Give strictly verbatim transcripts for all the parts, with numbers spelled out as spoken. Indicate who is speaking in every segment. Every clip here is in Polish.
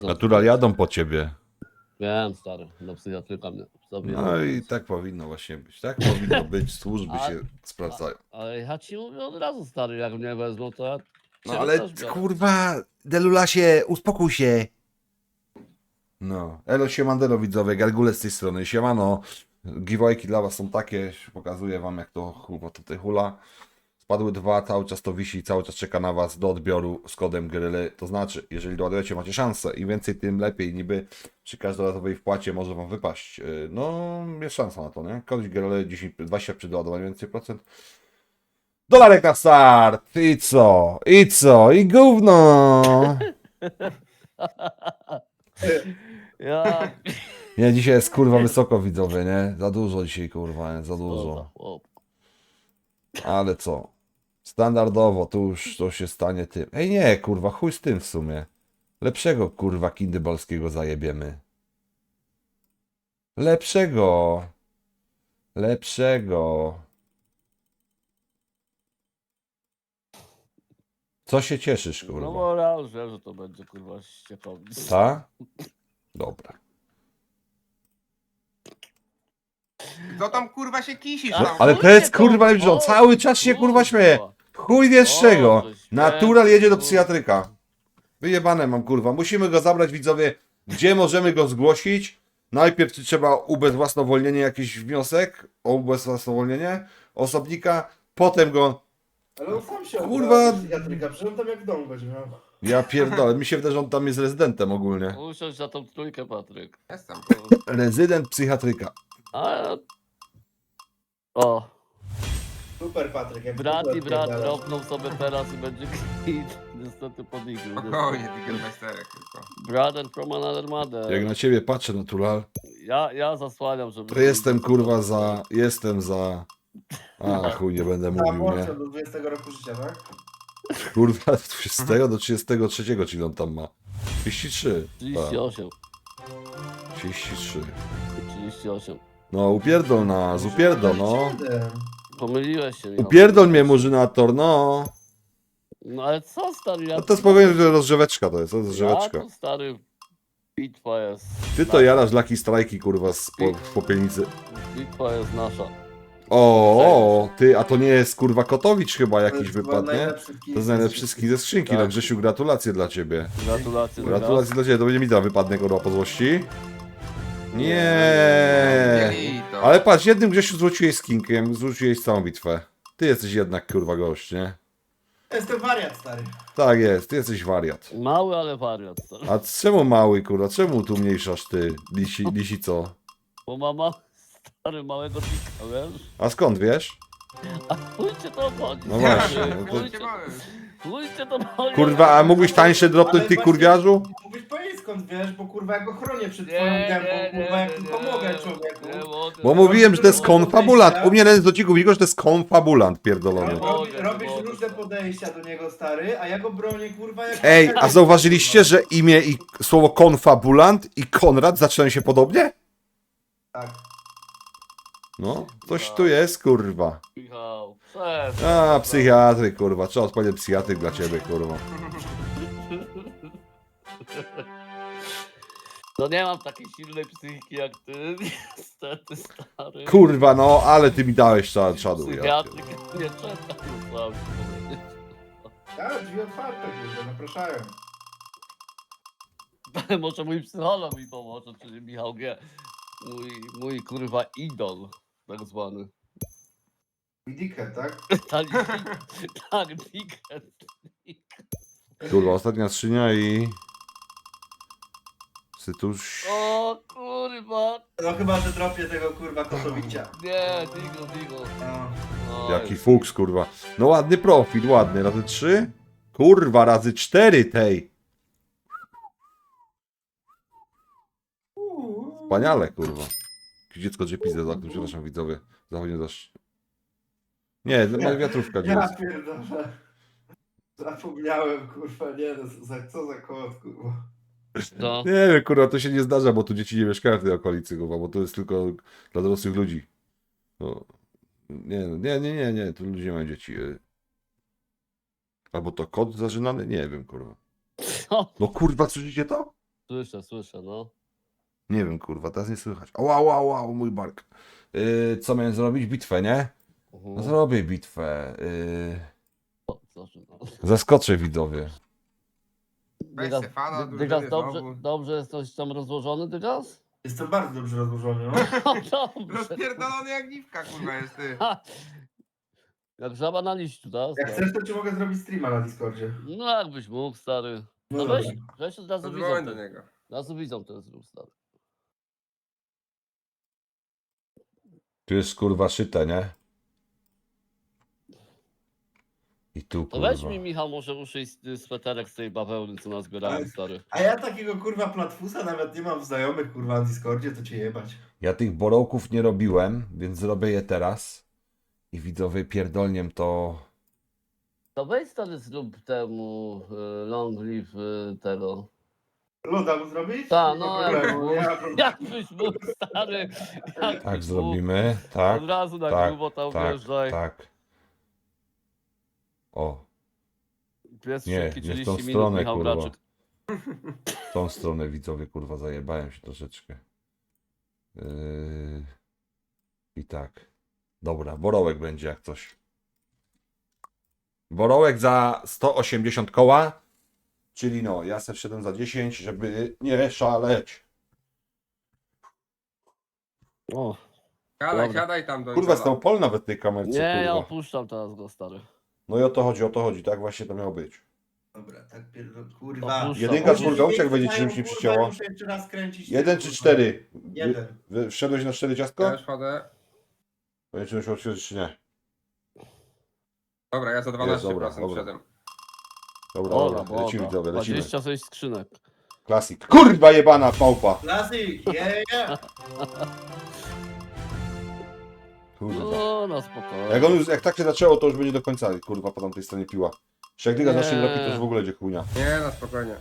Speaker 1: Natural jadą po ciebie.
Speaker 2: Wiem, stary, do psychiatryka mnie zabijają.
Speaker 1: No i tak powinno właśnie być. Tak powinno być. Służby
Speaker 2: A-
Speaker 1: się sprawdzają.
Speaker 2: Ale ja ci mówię od razu, stary, jak mnie wezmą, to ja
Speaker 1: No
Speaker 2: ciebie
Speaker 1: ale
Speaker 2: też biorę.
Speaker 1: kurwa, Delulasie, uspokój się. No, elo siemandelo widzowie, Gargule z tej strony, siemano. Giveawayki dla was są takie, pokazuję wam jak to kurwa tutaj hula. Spadły dwa, cały czas to wisi, cały czas czeka na was do odbioru z kodem Gryly. To znaczy, jeżeli doładujecie, macie szansę. Im więcej, tym lepiej. Niby przy każdorazowej wpłacie może wam wypaść. Yy, No, jest szansa na to, nie? Kod Gryly dziesięć, dwadzieścia przy doładowaniu więcej procent. Dolarek na start! I co? I co? I gówno!
Speaker 2: Ja...
Speaker 1: Nie, dzisiaj jest kurwa wysoko widzowie, nie? Za dużo dzisiaj kurwa, nie? Za dużo.
Speaker 2: Chłop.
Speaker 1: Ale co? Standardowo, tu już to się stanie tym. Ej nie, kurwa, chuj z tym w sumie. Lepszego kurwa kindybalskiego zajebiemy. Lepszego. Lepszego. Co się cieszysz,
Speaker 2: No
Speaker 1: kurwa?
Speaker 2: bo ja już wiem, że to będzie kurwa ściekownik.
Speaker 1: Ta? Dobra.
Speaker 3: Co tam kurwa się kisisz
Speaker 2: A,
Speaker 3: tam?
Speaker 1: Ale to
Speaker 2: chuj
Speaker 1: jest
Speaker 2: cię
Speaker 1: kurwa,
Speaker 2: to-
Speaker 1: że on
Speaker 2: o,
Speaker 1: cały czas się kurwa śmieje. Chuj wiesz z czego.
Speaker 2: Boże święty,
Speaker 1: Natural jedzie do
Speaker 2: kurwa.
Speaker 1: psychiatryka. Wyjebane mam kurwa. Musimy go zabrać widzowie. Gdzie możemy go zgłosić? Najpierw trzeba ubezwłasnowolnienie, jakiś wniosek o ubezwłasnowolnienie osobnika. Potem go...
Speaker 4: Ale on sam się
Speaker 1: Kurwa.
Speaker 4: odbrał do psychiatryka, przecież on tam jak dom będzie miał.
Speaker 1: Ja pierdolę. Mi się wydaje, że on tam jest rezydentem ogólnie.
Speaker 2: Usiądź na tą trójkę, Patryk.
Speaker 3: Jestem.
Speaker 1: Rezydent psychiatryka.
Speaker 2: A... O,
Speaker 4: Super Patryk, jak
Speaker 2: brat
Speaker 4: w
Speaker 2: i
Speaker 4: ogóle
Speaker 2: brat
Speaker 4: odpierdalasz.
Speaker 2: dropnął sobie teraz i będzie kwit. Niestety podniósł.
Speaker 3: O, nie Diggermeisterek tylko.
Speaker 2: Brother from another mother.
Speaker 1: Jak na ciebie patrzę, Natural,
Speaker 2: Ja, ja zasłaniam, żeby...
Speaker 1: to jestem kurwa za... Jestem za... A chuj, nie będę
Speaker 4: A
Speaker 1: mówił, nie?
Speaker 4: młodszy do dwudziestego roku życia, tak?
Speaker 1: Kurwa, od dwudziestego do trzydziestego trzeciego, czyli on tam ma. trzydzieści trzy.
Speaker 2: trzydzieści osiem.
Speaker 1: Tak, trzydzieści trzy.
Speaker 2: trzydzieści osiem.
Speaker 1: No, upierdol nas, upierdol, no.
Speaker 4: Siedem.
Speaker 2: Pomyliłeś się, Michał.
Speaker 1: Upierdol mnie, murzynator, no.
Speaker 2: No ale co, stary, ja...
Speaker 1: No to spokojnie, że rozgrzeweczka to jest, to jest
Speaker 2: Ja
Speaker 1: rozgrzeweczka.
Speaker 2: tu, stary, bitwa jest...
Speaker 1: Ty to jarasz Lucky Strike'i, kurwa, z po, w popielnicy.
Speaker 2: Bitwa jest nasza.
Speaker 1: O, o, ty, a to nie jest, kurwa, Kotowicz chyba
Speaker 4: To
Speaker 1: jakiś
Speaker 4: jest chyba
Speaker 1: wypadł, nie?
Speaker 4: najlepszy kij
Speaker 1: To jest najlepszy ski ze skrzynki,
Speaker 2: Tak.
Speaker 1: no Grzesiu, gratulacje dla ciebie.
Speaker 2: Gratulacje.
Speaker 1: Gratulacje dla ciebie, to będzie mi da wypadnie, kurwa, po złości. Nie.
Speaker 3: Mieli to.
Speaker 1: Ale patrz, jednym Grzesiu zwróciłeś skinkiem, zwróciłeś całą bitwę. Ty jesteś jednak kurwa gość, nie?
Speaker 4: Jestem wariat, stary.
Speaker 1: Tak jest, ty jesteś wariat.
Speaker 2: Mały, ale wariat, stary.
Speaker 1: A czemu mały kurwa, czemu tu mniejszasz ty, lisi, lisi co?
Speaker 2: Bo mama, stary, małego pika, wiesz?
Speaker 1: A skąd wiesz?
Speaker 2: A chuj cię to obchodzi.
Speaker 1: No właśnie,
Speaker 2: stary,
Speaker 1: no to-
Speaker 2: chuj cię- Chuj cię to obchodzi.
Speaker 1: Kurwa, a mógłbyś tańsze dropnąć
Speaker 4: Ale
Speaker 1: ty
Speaker 4: właśnie
Speaker 1: kurwiarzu?
Speaker 4: Mógłbyś powiedzieć skąd wiesz, bo kurwa ja go chronię przed
Speaker 2: Nie,
Speaker 4: twoją
Speaker 2: nie,
Speaker 4: gębą,
Speaker 2: nie,
Speaker 4: kurwa, jak
Speaker 2: nie,
Speaker 4: tylko
Speaker 2: nie,
Speaker 4: mogę,
Speaker 2: nie,
Speaker 4: człowieku.
Speaker 2: młody.
Speaker 1: Bo mówiłem, że to jest konfabulant. U mnie na dociku widzisz, że to jest konfabulant pierdolony.
Speaker 4: Robi,
Speaker 2: mogę,
Speaker 4: robisz
Speaker 2: nie mogę,
Speaker 4: różne
Speaker 2: stary.
Speaker 4: podejścia do niego, stary, a ja go bronię, kurwa, jak...
Speaker 1: Ej, a zauważyliście, że imię i słowo konfabulant i Konrad zaczynają się podobnie?
Speaker 4: Tak.
Speaker 1: No, coś tu jest, kurwa.
Speaker 2: Michał, przestań.
Speaker 1: A, psychiatryk, kurwa. Trzeba odpowiedzieć psychiatryk dla ciebie, kurwa.
Speaker 2: No nie mam takiej silnej psychiki jak ty, niestety, stary.
Speaker 1: Kurwa, no, ale ty mi dałeś cza- czadu. Ja.
Speaker 2: Psychiatryk nie czeka, no co mam ci powiedzieć.
Speaker 4: Tak, drzwi otwarte, kurwa, zapraszają.
Speaker 2: Może mój psycholog mi pomoże, czyli Michał G. Mój, mój kurwa idol, tak zwany.
Speaker 4: Dickhead, tak?
Speaker 2: Tak, tak, Dickhead.
Speaker 1: Kurwa, ostatnia skrzynia i... Sytuś...
Speaker 2: O kurwa.
Speaker 4: No chyba, że dropię tego, kurwa, Kotowicia.
Speaker 2: Nie, Digo, Digo.
Speaker 4: No.
Speaker 2: Oj.
Speaker 1: Jaki fuks, kurwa. No ładny profil, ładny. Razy trzy? Kurwa, razy cztery tej. Wspaniale, kurwa. Jakieś dziecko J P Z za tym, przepraszam widzowie. Zachodnie zaś... Nie, ma wiatrówka
Speaker 4: Ja
Speaker 1: dziecko.
Speaker 4: pierdolę. Zapomniałem, kurwa, nie no, za, co za kot, kurwa.
Speaker 2: No.
Speaker 1: Nie wiem, kurwa, to się nie zdarza, bo tu dzieci nie mieszkają w tej okolicy, kurwa, bo to jest tylko dla dorosłych ludzi. No. Nie, nie, nie, nie, nie, tu ludzie mają dzieci. y. Albo to kot zażynany? Nie wiem, kurwa.
Speaker 2: Co?
Speaker 1: No kurwa, słyszycie to?
Speaker 2: Słyszę, słyszę, no.
Speaker 1: Nie wiem, kurwa, teraz nie słychać. O, wow, wow, wow, mój bark. Yy, co miałem zrobić? Bitwę, nie?
Speaker 2: Mhm.
Speaker 1: No zrobię bitwę. Yy,
Speaker 2: O, zaczynam.
Speaker 1: zaskoczę widzowie.
Speaker 3: Weź
Speaker 2: Dygas,
Speaker 3: Stefana,
Speaker 2: Dy- Dygas,
Speaker 3: drużyny
Speaker 2: dobrze,
Speaker 3: znowu.
Speaker 2: dobrze jesteś tam rozłożony, Dygas?
Speaker 4: Jestem bardzo dobrze rozłożony, no.
Speaker 2: No dobrze.
Speaker 3: Rozpierdolony jak dziwka, kurwa, jest ty.
Speaker 2: Ha! Jak żaba na liściu, tak?
Speaker 4: Jak chcesz, to ci mogę zrobić streama na Discordzie.
Speaker 2: No jakbyś mógł, stary.
Speaker 4: No
Speaker 2: No
Speaker 4: dobra.
Speaker 2: weź, weź od razu widzą
Speaker 3: Zadzwoń do
Speaker 2: ten.
Speaker 3: niego.
Speaker 2: Od razu widzą ten zrób, stary.
Speaker 1: Tu jest kurwa szyte, nie? I tu
Speaker 2: To weź
Speaker 1: kurwa.
Speaker 2: mi, Michał, może uszyj s- sweterek z tej bawełny, co nazbierałem,
Speaker 4: Ale-
Speaker 2: stary.
Speaker 4: A ja takiego kurwa platfusa nawet nie mam w znajomych kurwa na Discordzie, to cię jebać.
Speaker 1: Ja tych borołków nie robiłem, więc zrobię je teraz. I widzowie pierdolniem to...
Speaker 2: To weź, stary, zrób temu y, long live y, tego.
Speaker 4: Loda mu zrobić?
Speaker 2: Ta,
Speaker 4: Nie ma
Speaker 2: no,
Speaker 4: problemu,
Speaker 2: jak-
Speaker 4: nie ma problemu.
Speaker 2: Jakbyś mógł, stary. Jakbyś
Speaker 1: Tak
Speaker 2: mógł.
Speaker 1: zrobimy, tak,
Speaker 2: Od razu na
Speaker 1: tak,
Speaker 2: grubo tam
Speaker 1: tak,
Speaker 2: wjeżdżaj.
Speaker 1: tak. O,
Speaker 2: Pies
Speaker 1: Nie,
Speaker 2: szybki,
Speaker 1: nie w tą
Speaker 2: trzydzieści minut,
Speaker 1: stronę,
Speaker 2: Michał
Speaker 1: kurwa.
Speaker 2: Graczyk.
Speaker 1: w tą stronę widzowie kurwa zajebałem się troszeczkę. Yy... I tak. Dobra, borołek będzie jak coś. Borołek za sto osiemdziesiąt koła. Czyli no, ja se wszedłem za dziesięć, żeby nie szaleć.
Speaker 2: O,
Speaker 3: Siadaj,
Speaker 2: Dobra.
Speaker 3: siadaj tam do
Speaker 1: Kurwa,
Speaker 3: Idola.
Speaker 1: stał pol nawet w tej kamerce,
Speaker 2: nie, ja
Speaker 1: kurwa.
Speaker 2: opuszczam teraz go, stary.
Speaker 1: No i o to chodzi, o to chodzi, tak właśnie to miało być.
Speaker 4: Dobra, tak pierdol, kurwa.
Speaker 2: Opuszczam.
Speaker 1: Jedynka,
Speaker 2: Musisz
Speaker 1: czwórka, uciek będzie ci czymś nie
Speaker 4: Kurwa,
Speaker 1: przycięło.
Speaker 4: muszę jeszcze raz kręcić.
Speaker 1: Jeden
Speaker 4: kurwa.
Speaker 1: czy cztery?
Speaker 4: Jeden.
Speaker 1: Wy- Wszedłeś na cztery ciastko?
Speaker 3: Ja już chodzę.
Speaker 1: Będzie musiał otworzyć czy nie?
Speaker 3: Dobra, ja za dwanaście procent
Speaker 1: Jest, dobra, dobra.
Speaker 3: wszedłem.
Speaker 1: Dobra,
Speaker 2: Dobra,
Speaker 1: dobra, lecimy
Speaker 2: dobra.
Speaker 1: widzowie, lecimy.
Speaker 2: dwadzieścia sześć skrzynek.
Speaker 1: Klasik. Kurwa jebana małpa.
Speaker 4: Klasyk, yeah, yeah.
Speaker 1: Kurwa.
Speaker 2: No, no spokojnie.
Speaker 1: Jak, on już, jak tak się zaczęło, to już będzie do końca, kurwa, po tamtej stronie piła. Jeszcze jak dyga
Speaker 2: Nie.
Speaker 1: zacznie robić, to już w ogóle będzie chujnia.
Speaker 3: Nie, na spokojnie.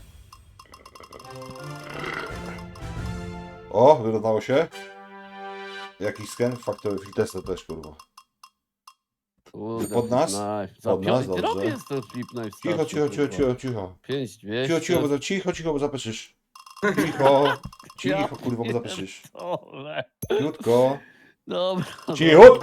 Speaker 1: O, wyrównało się. Jakiś scan? Factory Tester też, kurwa.
Speaker 2: Kurde,
Speaker 1: Pod nas?
Speaker 2: Nice. Za
Speaker 1: Pod nas,
Speaker 2: piąty
Speaker 1: dobrze.
Speaker 2: robię ten flip knife
Speaker 1: Cicho,
Speaker 2: straszny,
Speaker 1: cicho, cicho,
Speaker 2: kurwa.
Speaker 1: cicho, cicho.
Speaker 2: pięć dwieście.
Speaker 1: Cicho, cicho, bo, za- cicho, cicho, bo zapeszysz. Cicho,
Speaker 2: Ja
Speaker 1: cicho, kurwa, bo zapeszysz.
Speaker 2: pierdolę.
Speaker 1: Cichutko,
Speaker 2: Dobra.
Speaker 1: cichutko!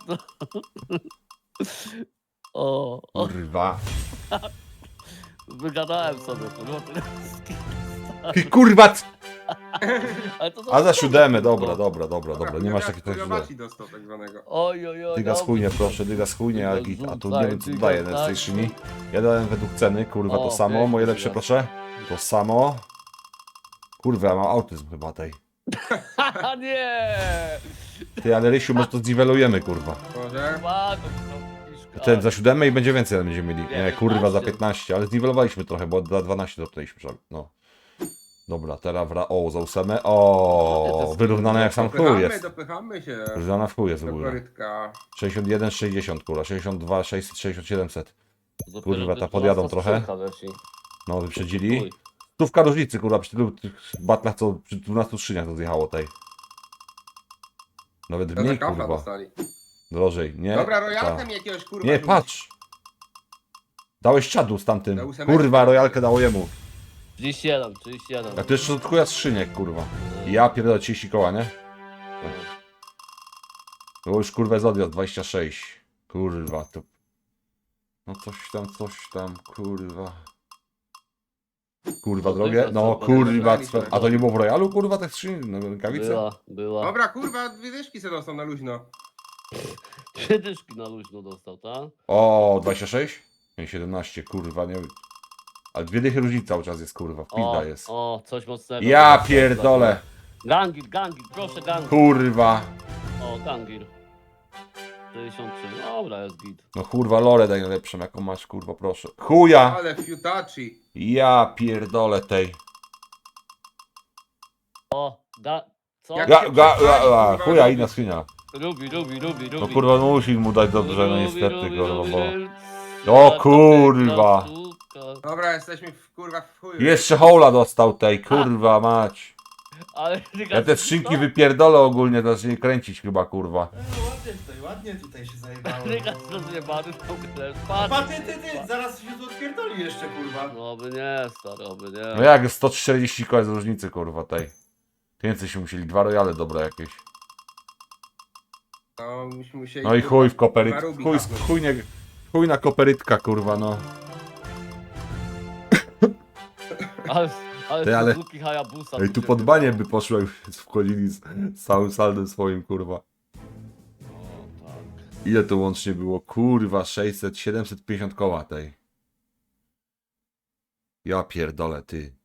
Speaker 2: O, o,
Speaker 1: Kurwa.
Speaker 2: wygadałem sobie, kurwa.
Speaker 1: Ty kurwa! c-
Speaker 2: Ale to
Speaker 1: A za
Speaker 2: dobre,
Speaker 1: siódemę,
Speaker 2: kurwa.
Speaker 1: dobra, dobra, dobra, dobra, nie masz takiego tak źle.
Speaker 3: Chujowaci dostał tak zwanego.
Speaker 2: Oj, oj, oj.
Speaker 1: Dyga
Speaker 2: dobrze.
Speaker 1: schujnie, proszę, dyga schujnie, a, git, a tu nie wiem co
Speaker 2: Dyga,
Speaker 1: daje
Speaker 2: tak.
Speaker 1: na tej szyni. Ja dałem według ceny, kurwa, to
Speaker 2: O,
Speaker 1: samo,
Speaker 2: pięknie,
Speaker 1: moje lepsze
Speaker 2: dyga.
Speaker 1: proszę. To samo. Kurwa, ja mam autyzm chyba tej.
Speaker 2: Haha, nie!
Speaker 1: Ty, ale Rysiu, może to zniwelujemy, kurwa.
Speaker 3: Może?
Speaker 2: Ładno, to piszka.
Speaker 1: Ten za siódemę i będzie więcej ale będziemy mieli.
Speaker 2: Nie,
Speaker 1: Nie, kurwa, za
Speaker 2: piętnaście.
Speaker 1: piętnaście, ale zniwelowaliśmy trochę, bo za dwanaście dotknęliśmy, żal- no. Dobra, teraz wra... O, za ósemę. O, wyrównane jak sam chuj
Speaker 3: Dopychamy,
Speaker 1: jest.
Speaker 3: dopychamy się
Speaker 1: Wyrównana w chuj jest w
Speaker 3: do
Speaker 1: ogóle.
Speaker 3: korytka.
Speaker 1: sześćdziesiąt jeden, sześćdziesiąt, kurwa, sześćdziesiąt dwa, sześćset, sześćdziesiąt, siedemset.
Speaker 2: Dopiero
Speaker 1: kurwa, ta
Speaker 2: ty-
Speaker 1: podjadą
Speaker 2: dwunasta
Speaker 1: trochę.
Speaker 2: skrzynka leci.
Speaker 1: No, wyprzedzili.
Speaker 2: Chuj.
Speaker 1: Stówka różnicy, kurwa, przy tylu tych batlach, co przy dwunastu skrzyniach to zjechało tej. Nawet
Speaker 3: To za
Speaker 1: mniej,
Speaker 3: kafla
Speaker 1: kurwa.
Speaker 3: dostali.
Speaker 1: Drożej, nie?
Speaker 3: Dobra,
Speaker 1: Ta.
Speaker 3: rojalkę mi jakiegoś kurwa
Speaker 1: Nie,
Speaker 3: rzuć.
Speaker 1: patrz! Dałeś czadu z
Speaker 3: Na
Speaker 1: tamtym.
Speaker 3: ósemeczkę.
Speaker 1: Kurwa, rojalkę dało jemu.
Speaker 2: trzydzieści jeden, trzydzieści jeden.
Speaker 1: A to jeszcze od chuja skrzyniek, kurwa. Ja pierdolę trzydzieści koła, nie? Było już kurwa z odjazd, dwadzieścia sześć. Kurwa, to... No coś tam, coś tam, kurwa. Kurwa,
Speaker 2: No,
Speaker 1: drogie?
Speaker 2: tylko
Speaker 1: No,
Speaker 2: co,
Speaker 1: kurwa,
Speaker 3: podjechaliśmy.
Speaker 1: cwe- a to nie było w royalu, kurwa, te skrzyni, no, rękawice?
Speaker 2: Była, była.
Speaker 3: Dobra, kurwa, dwie dyszki se dostał na luźno.
Speaker 2: Dwie dyszki na luźno dostał, tak?
Speaker 1: O, dwadzieścia sześć? Nie, siedemnaście, kurwa, nie... Ale dwie dychy różnic cały czas jest, kurwa,
Speaker 2: O,
Speaker 1: pizda jest.
Speaker 2: o, coś mocnego.
Speaker 1: Ja pierdolę,
Speaker 2: Gangir, gangir, proszę gangir.
Speaker 1: kurwa.
Speaker 2: O, gangir. sześćdziesiąt trzy, dobra, jest git.
Speaker 1: No kurwa, lore daj najlepszą, jaką masz, kurwa, proszę. Chuja!
Speaker 3: Ale fiutaci.
Speaker 1: Ja pierdolę tej.
Speaker 2: O, ga... Co?
Speaker 3: Jak-
Speaker 1: Ga, ga, ga, ga,
Speaker 3: kurwa,
Speaker 1: chuja,
Speaker 3: robi.
Speaker 1: inna skrzynia.
Speaker 2: Rubi, rubi, rubi, rubi.
Speaker 1: No kurwa, no musi mu dać dobrze, no
Speaker 2: Rubi,
Speaker 1: niestety,
Speaker 2: rubi,
Speaker 1: kurwa,
Speaker 2: rubi,
Speaker 1: bo...
Speaker 2: rubi.
Speaker 1: O,
Speaker 2: Ja, to
Speaker 1: kurwa.
Speaker 2: piękna sztuka.
Speaker 3: Dobra, jesteśmy w kurwa w chuju.
Speaker 1: Jeszcze hola dostał tej, kurwa mać.
Speaker 2: Ale
Speaker 1: Ja te skrzynki wypierdolę ogólnie, to zacznie kręcić chyba, kurwa.
Speaker 4: No, ładnie tutaj, ładnie tutaj się zajebało.
Speaker 2: Rygas rozjebany w ogóle.
Speaker 4: Pa, ty, ty, ty, zaraz się tu odpierdoli jeszcze, kurwa.
Speaker 2: No oby nie, stary, oby nie.
Speaker 1: No jak sto czterdzieści koła z różnicy, kurwa, tej. Więcej się musieli, dwa rojale dobre jakieś.
Speaker 3: No, myśmy musieli...
Speaker 1: No i
Speaker 3: kurwa,
Speaker 1: chuj w koperyt,
Speaker 3: na Rubi
Speaker 1: chuj,
Speaker 3: hapnąć.
Speaker 1: chuj, nie, chuj na koperytka, kurwa, no.
Speaker 2: Ale, ale,
Speaker 1: Ty, ale-
Speaker 2: Suzuki Hayabusa.
Speaker 1: Ej, tu
Speaker 2: się
Speaker 1: pod banie
Speaker 2: wydało.
Speaker 1: by poszło, jak wchodzili z, z całym saldem swoim, kurwa.
Speaker 2: O, tak.
Speaker 1: Ile to łącznie było? Kurwa, sześćset, siedemset pięćdziesiąt koła tej. Ja pierdolę, ty.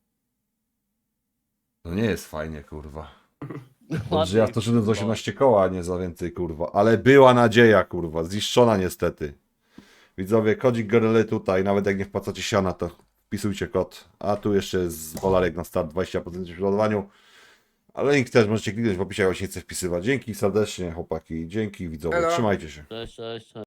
Speaker 1: To nie jest fajnie, kurwa. Dobrze, ja w to szedłem z osiemnaście koła, a nie za więcej, kurwa. Ale była nadzieja, kurwa. Zniszczona niestety. Widzowie, kodzik Goryle tutaj. Nawet jak nie wpłacacie siana, to wpisujcie kod. A tu jeszcze jest dolarek na start, dwadzieścia procent w ładowaniu. Ale link też możecie kliknąć w opisie, jak się nie chce wpisywać. Dzięki serdecznie, chłopaki. Dzięki, widzowie.
Speaker 3: Elo.
Speaker 1: Trzymajcie się.
Speaker 2: Cześć, cześć, cześć.